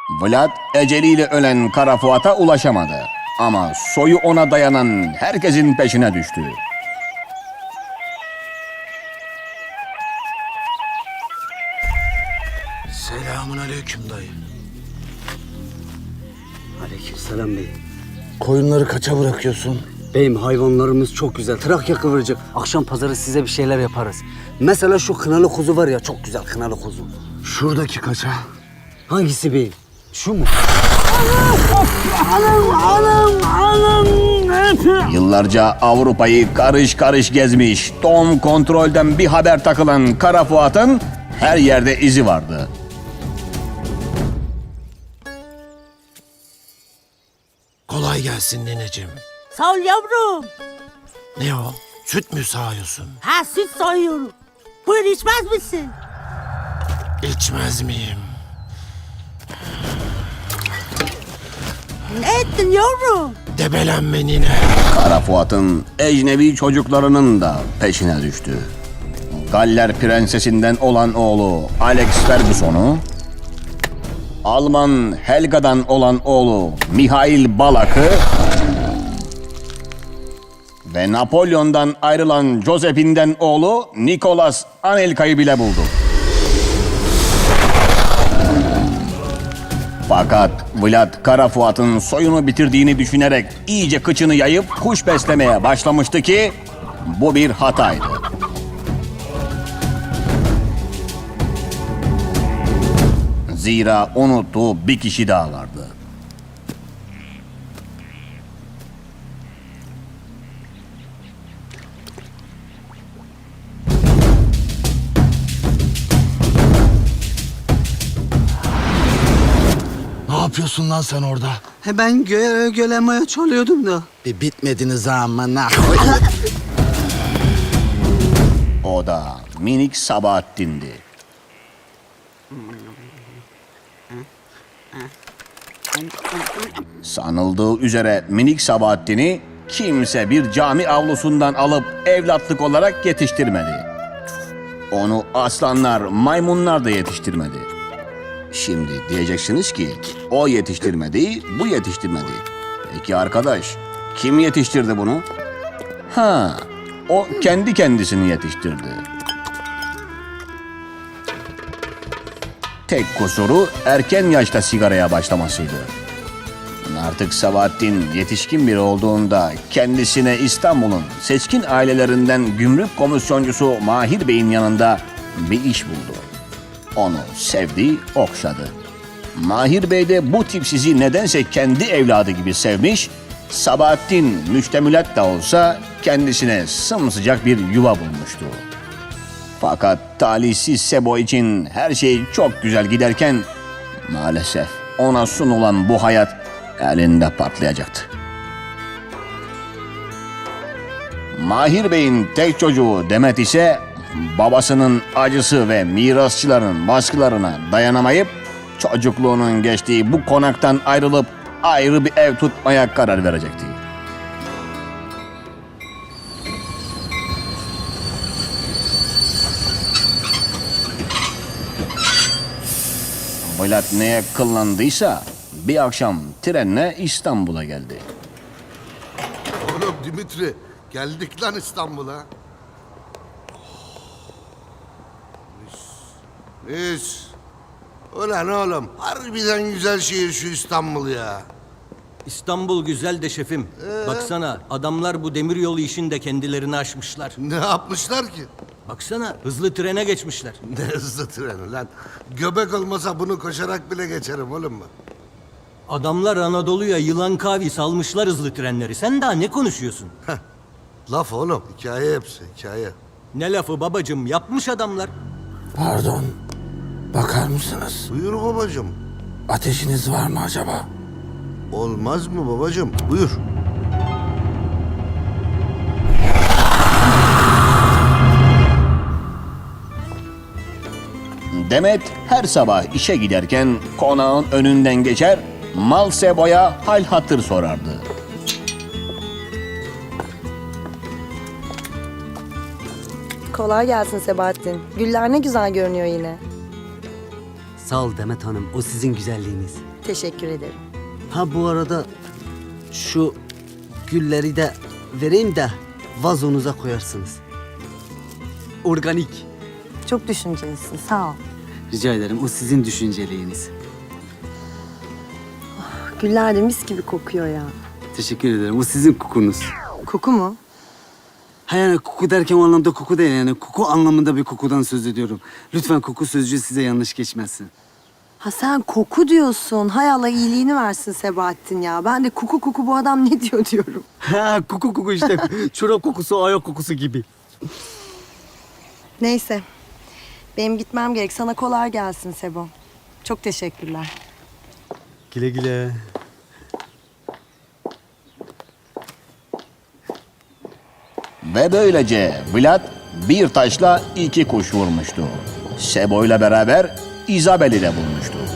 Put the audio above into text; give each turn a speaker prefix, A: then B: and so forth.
A: Vlad eceliyle ölen Kara Fuat'a ulaşamadı. Ama soyu ona dayanan herkesin peşine düştü.
B: Selamun aleyküm dayı.
C: Aleykümselam beyim.
B: Koyunları kaça bırakıyorsun?
C: Beyim hayvanlarımız çok güzel. Trakya kıvırcık. Akşam pazarı size bir şeyler yaparız. Mesela şu kınalı kuzu var ya, çok güzel kınalı kuzu.
B: Şuradaki kaça?
C: Hangisi beyim? Şu mu?
A: Yıllarca Avrupa'yı karış karış gezmiş, Tom kontrolden bir haber takılan Kara Fuat'ın her yerde izi vardı.
B: Kolay gelsin nineciğim.
D: Sağ ol yavrum.
B: Ne o? Süt mü sağıyorsun?
D: Ha süt sayıyorum. Buyur içmez misin?
B: İçmez miyim?
D: Ne ettin yavrum?
B: Debelenme nine.
A: Kara Fuat'ın ecnebi çocuklarının da peşine düştü. Galler prensesinden olan oğlu Alex Ferguson'u, Alman Helga'dan olan oğlu Mihail Balak'ı ve Napolyon'dan ayrılan Josephine'den oğlu Nicolas Anelka'yı bile buldu. Fakat Vlad Kara Fuat'ın soyunu bitirdiğini düşünerek iyice kıçını yayıp kuş beslemeye başlamıştı ki bu bir hataydı. Zira unuttuğu bir kişi daha vardı.
B: Ne yapıyorsun lan sen orada?
C: Ben gölemeye çalıyordum da.
B: Bir bitmediniz amına.
A: O da minik Sabahattin'di. Sanıldığı üzere minik Sabahattin'i kimse bir cami avlusundan alıp evlatlık olarak yetiştirmedi. Onu aslanlar, maymunlar da yetiştirmedi. Şimdi diyeceksiniz ki o yetiştirmedi, bu yetiştirmedi. Peki arkadaş, kim yetiştirdi bunu? Ha, o kendi kendisini yetiştirdi. Tek kusuru erken yaşta sigaraya başlamasıydı. Artık Sabahattin yetişkin biri olduğunda kendisine İstanbul'un seçkin ailelerinden gümrük komisyoncusu Mahir Bey'in yanında bir iş buldu. Onu sevdi, okşadı. Mahir Bey de bu tipsizi nedense kendi evladı gibi sevmiş, Sabahattin müştemilat da olsa kendisine sımsıcak bir yuva bulmuştu. Fakat talihsiz Sebo için her şey çok güzel giderken maalesef ona sunulan bu hayat elinde patlayacaktı. Mahir Bey'in tek çocuğu Demet ise babasının acısı ve mirasçıların baskılarına dayanamayıp çocukluğunun geçtiği bu konaktan ayrılıp ayrı bir ev tutmaya karar verecekti. Vlad neye kıllandıysa bir akşam trenle İstanbul'a geldi.
E: Oğlum Dimitri, geldik lan İstanbul'a. Mis. Ulan oğlum, harbiden güzel şehir şu İstanbul ya.
F: İstanbul güzel de şefim. Baksana adamlar bu demiryolu işinde kendilerini aşmışlar.
E: Ne yapmışlar ki?
F: Baksana hızlı trene geçmişler.
E: Ne hızlı treni lan. Göbek olmasa bunu koşarak bile geçerim oğlum ben.
F: Adamlar Anadolu'ya yılan kavi salmışlar hızlı trenleri. Sen daha ne konuşuyorsun?
E: Laf oğlum, hikaye hepsi, hikaye.
F: Ne lafı babacım, yapmış adamlar.
B: Pardon. Bakar mısınız?
E: Buyur babacığım.
B: Ateşiniz var mı acaba?
E: Olmaz mı babacığım? Buyur.
A: Demet her sabah işe giderken konağın önünden geçer, Mal Sebo'ya hal hatır sorardı.
G: Kolay gelsin Sebahattin. Güller ne güzel görünüyor yine.
C: Sağ ol Demet Hanım. O sizin güzelliğiniz.
G: Teşekkür ederim.
C: Ha bu arada şu gülleri de vereyim de vazonuza koyarsınız. Organik.
G: Çok düşüncelisin. Sağ ol.
C: Rica ederim. O sizin düşünceliğiniz.
G: Güller de mis gibi kokuyor ya.
C: Teşekkür ederim. O sizin kokunuz.
G: Koku mu?
C: Ha yani koku derken o anlamda koku değil yani. Koku anlamında bir kokudan söz ediyorum. Lütfen koku sözcüğü size yanlış geçmesin.
G: Ha sen koku diyorsun. Hay Allah iyiliğini versin Sebahattin ya. Ben de koku bu adam ne diyor diyorum.
C: Ha koku işte. Çorap kokusu, ayak kokusu gibi.
G: Neyse. Benim gitmem gerek. Sana kolay gelsin Sebo. Çok teşekkürler.
C: Güle güle.
A: Ve böylece Vlad bir taşla iki kuş vurmuştu. Sebo ile beraber Isabel'i de bulmuştu.